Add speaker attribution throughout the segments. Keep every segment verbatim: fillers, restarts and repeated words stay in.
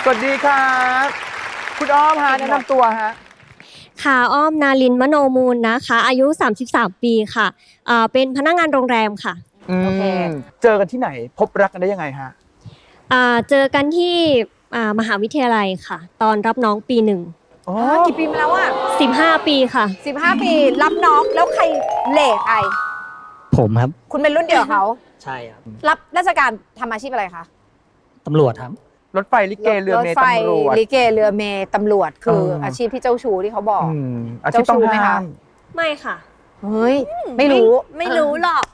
Speaker 1: สวัสดีครับคุณอ้อมฮะแนะนำตัวฮะ
Speaker 2: ค่ะอ้อมนาลินมโนมูลนะคะอายุสามสิบสามปีค่ะอ่าเป็นพนักงานโรงแรมค่ะ
Speaker 1: โอเคเจอกันที่ไหนพบรักกันได้ยังไงฮะ
Speaker 2: อ่าเจอกันที่อ่ามหาวิทยาลัยค่ะตอนรับน้องปีหนึ่ง
Speaker 1: อ๋อ
Speaker 3: กี่ปีมาแล้วอ่ะ
Speaker 2: สิบห้าปีค่ะ
Speaker 3: สิบห้าปีรับน้องแล้วใครเหล่ใคร
Speaker 4: ผมครับ
Speaker 3: คุณเป็นรุ่นเดียวกับเขา
Speaker 4: ใช่ครับ
Speaker 3: รับราชการทำอาชีพอะไรคะ
Speaker 4: ตำรวจครับ
Speaker 1: รถไฟลิเกเรือเมย์ตำรวจ
Speaker 3: ลิเกเรือเมย์ตำรวจคืออาชีพที่เจ้าชู้ที่เขาบอก
Speaker 1: อาชีพต้องห้าม
Speaker 2: ไม่ค่ะ
Speaker 3: เฮ้ยไม่รู้
Speaker 2: ไม่รู้หรอก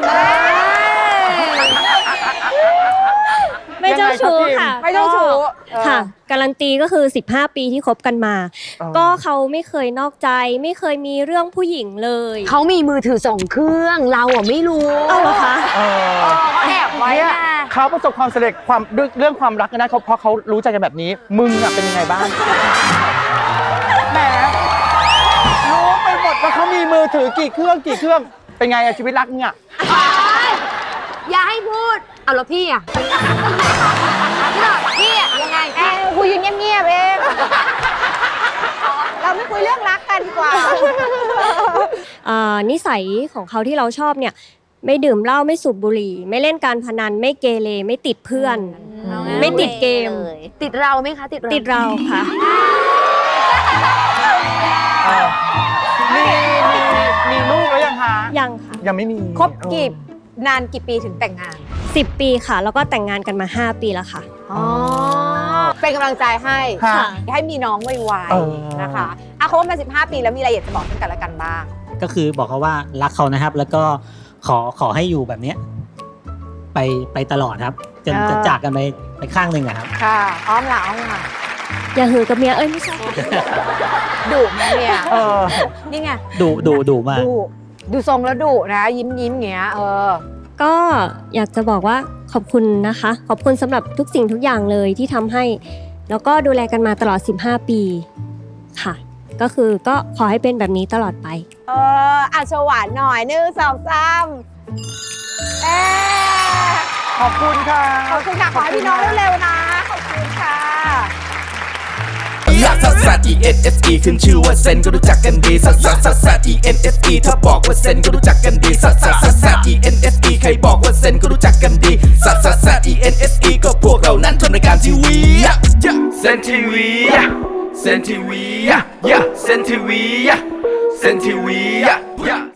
Speaker 2: ไม่เจ้าชู้ค่ะ
Speaker 3: ไม่เจ้าชู้
Speaker 2: ค่ะการันตีก็คือสิบห้าปีที่คบกันมาก็เขาไม่เคยนอกใจไม่เคยมีเรื่องผู้หญิงเลย
Speaker 3: เขามีมือถือสองเครื่องเราอ่ะไม่รู้
Speaker 2: เอาเหรอคะ
Speaker 3: เขาแอบไว้นะ
Speaker 1: เขาประสบความสำเร็จความเรื่องความรักกันได้เพราะเขารู้ใจกันแบบนี้มึงอ่ะเป็นยังไงบ้างแหมรู้ไปหมดว่าเขามีมือถือกี่เครื่องกี่เครื่องเป็นไงอะชีวิตรักเนี่ย
Speaker 3: อย่าให้พูดเอาแล้วพี่อ่ะพี่อ่ะยังไงเออคุยอยู่เงียบๆเองเราไม่คุยเรื่องรักกันดีกว่า
Speaker 2: นิสัยของเขาที่เราชอบเนี่ยไม่ดื่มเหล้าไม่สูบบุหรี่ไม่เล่นการพนันไม่เกเรไม่ติดเพื่อนไม่ติดเกม
Speaker 3: ติดเราไหมคะติดเรา
Speaker 2: ติดเราค่ะ
Speaker 1: มีมีมีลูกแล้วยังคะ
Speaker 2: ยังค่ะ
Speaker 1: ยังไม่มี
Speaker 3: คบกี่นานกี่ปีถึงแต่งงาน
Speaker 2: สิบปีค่ะแล้วก็แต่งงานกันมาห้าปีแล้วค่ะ
Speaker 3: อ๋อเป็นกำลังใจให้ให้มีน้องไวๆนะคะอ่ะคบมาสิบห้าปีแล้วมีอะไรอยากจะบอกกันและกันบ้าง
Speaker 4: ก็คือบอกเขาว่ารักเขานะครับแล้วก็ขอขอให้อยู่แบบนี้ไปไปตลอดครับจนจะจากกันไปไปข้างหนึ่งอะครับ
Speaker 3: ค่ะอ้อมละอ้อมละ
Speaker 2: อย่าหือกับเมียเอ้ยไม่ใช่
Speaker 3: ดุไหมเนี่ยนี่ไง
Speaker 4: ดุดุดุมาก
Speaker 3: ดุดูทรงแล้วดุนะยิ้มยิ้มเงี้ยเออ
Speaker 2: ก็อยากจะบอกว่าขอบคุณนะคะขอบคุณสำหรับทุกสิ่งทุกอย่างเลยที่ทำให้แล้วก็ดูแลกันมาตลอดสิบห้าปีค่ะก็คือก็ขอให้เป็นแบบนี้ตลอดไป
Speaker 3: เอออ่ะโชว์หวานหน่อยหนึ่งสองสามเออ
Speaker 1: ขอบคุณค่ะ
Speaker 3: ขอบคุณค่ะขอให้พี่น้องเร็วๆนะขอบคุณค่ะ
Speaker 5: ลักซัสซัส E N S E ขึ้นชื่อว่าเซนก็รู้จักกันดีซัสซัสซัสซัส E N S E ถ้าบอกว่าเซนก็รู้จักกันดีซัสซัสซัสซัส E N S E ใครบอกว่าเซนก็รู้จักกันดีซัสซัสซัส E N S E ก็พวกเรานั้นทำรายการทีวีเซนทีวีเซนทีวีเซนทีวีเซนทีวี